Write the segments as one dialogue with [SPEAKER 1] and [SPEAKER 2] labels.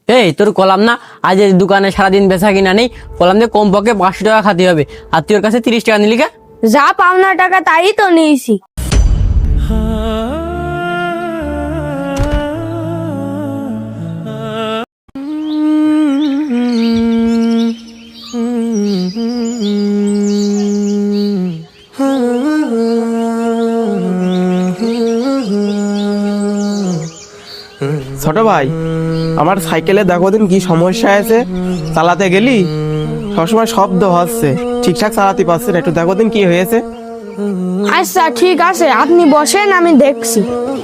[SPEAKER 1] এই তোর কলাম না, আজ এই দোকানে সারাদিন বেচা কিনা নেই, কলাম দিয়ে কমপক্ষে 500 টাকা খাতে হবে, আর তুই ওর কাছে 30 টাকা নিলি কে?
[SPEAKER 2] যা পাওনা টাকা তাই তো নিয়েছি।
[SPEAKER 3] ছোট ভাই, আমার সাইকেলে দেখো দিন কি সমস্যা আছে, চালাতে গেলি সবসময় শব্দ হচ্ছে, ঠিকঠাক চালাতে পারছি না, একটু দেখো দিন কি হয়েছে।
[SPEAKER 2] আচ্ছা ঠিক আছে, আপনি বসেন, আমি দেখছি।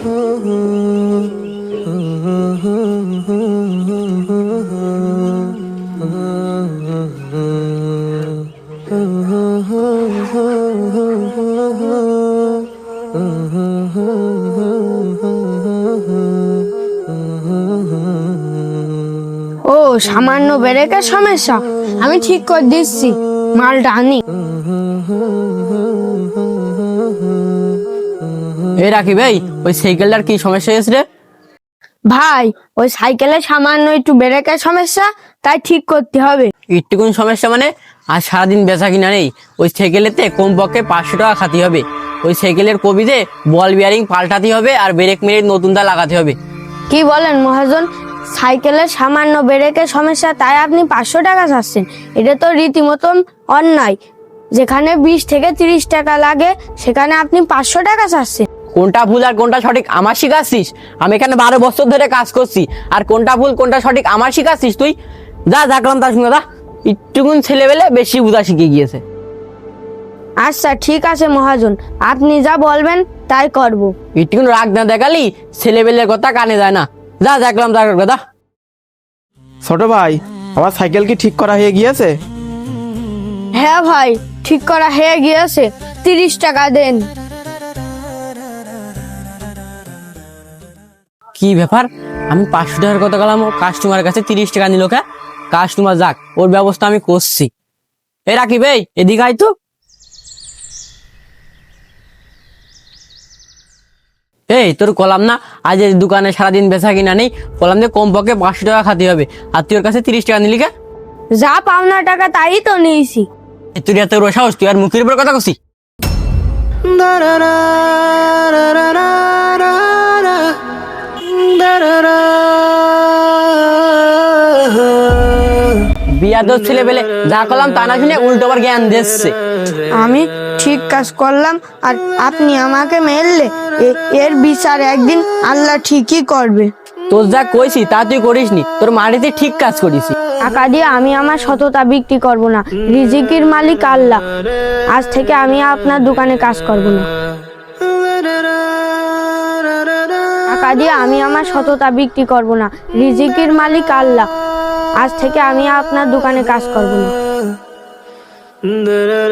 [SPEAKER 2] ও সামান্য ব্রেকের সমস্যা, আমি ঠিক করে দিচ্ছি, মালটা আনি।
[SPEAKER 1] এই রাখি ভাই, ওই সাইকেলটার কি সমস্যা হয়েছে রে?
[SPEAKER 2] ভাই ওই সাইকেলে সামান্য একটু ব্রেকের সমস্যা, তাই ঠিক করতে হবে।
[SPEAKER 1] একটুকুন সমস্যা মানে? আর সারাদিন বেচা কিনা নেই, ওই সাইকেলেতে কমপক্ষে 500 টাকা খাতে হবে। ওই সাইকেলের কবিতে বল বিয়ারিং পাল্টাতে হবে, আর ব্রেক মেরে নতুনটা লাগাতে হবে।
[SPEAKER 2] কি বলেন মহাজন, সাইকেলের সামান্য ব্রেকের সমস্যা তাই আপনি 500 টাকা চাচ্ছেন? এটা তো রীতিমতন অন্যায়। যেখানে 20 থেকে 30 টাকা লাগে সেখানে আপনি 500 টাকা চাচ্ছেন।
[SPEAKER 1] কোনটা ভুল আর কোনটা সঠিক আমার শিখাচ্ছিস? আমি এখানে 12 বছর ধরে কাজ করছি, আর কোনটা ভুল কোনটা সঠিক আমার শিখাচ্ছিস তুই? যা দেখলাম তার সঙ্গে, একটুকুন ছেলেবেলে বেশি বুঝা শিখে গিয়েছে।
[SPEAKER 2] আচ্ছা ঠিক আছে মহাজন, আপনি যা বলবেন তাই করব।
[SPEAKER 1] একটুকুন রাগ না দেখালি ছেলেবেলের কথা কানে যায় না। যা দেখলাম তার কথা।
[SPEAKER 3] ছোট ভাই, আমার সাইকেল কি ঠিক করা হয়ে গিয়েছে?
[SPEAKER 2] হ্যাঁ ভাই, ঠিক করা হয়ে গিয়েছে, 30 টাকা দেন।
[SPEAKER 1] কি ব্যাপার, আমি 500 টাকার কথা গেলাম, ও কাস্টমারের কাছে 30 টাকা নিল কে? কাস্টমার যাক, ওর ব্যবস্থা আমি করছি। এ রাকিব ভাই, এদিকে আয় তো। এই তোর কলাম না, আজ এই দোকানে সারাদিন বেচা কিনা নেই, কলাম দিয়ে কমপক্ষে 500 টাকা খাতে হবে, আর তুই ওর কাছে 30 টাকা নিলি কে?
[SPEAKER 2] যা পাওনা টাকা তাই তো নিয়েছি।
[SPEAKER 1] তুই এত বড় সাহস, তুই আর মুখের উপর কথা কছি? বিয়াদব ছেলে পেলে যা করলাম তা না শুনে উল্টো আবার জ্ঞান দিচ্ছে।
[SPEAKER 2] আমি ঠিক কাজ করলাম আর আপনি আমাকে মেরলে, এর বিচার একদিন আল্লাহ ঠিকই করবে।
[SPEAKER 1] তোর যা কইছি তা তুই করিসনি, তোর মাটিতে ঠিক কাজ করিস।
[SPEAKER 2] টাকা দিয়ে আমি আমার সততা বিক্রি করব না, রিজিকের মালিক আল্লাহ। আজ থেকে আমি আপনার দোকানে কাজ করব না। টাকা দিয়ে আমি আমার সততা বিক্রি করব না, রিজিকের মালিক আল্লাহ। আজ থেকে আমি আপনার দোকানে কাজ করব না।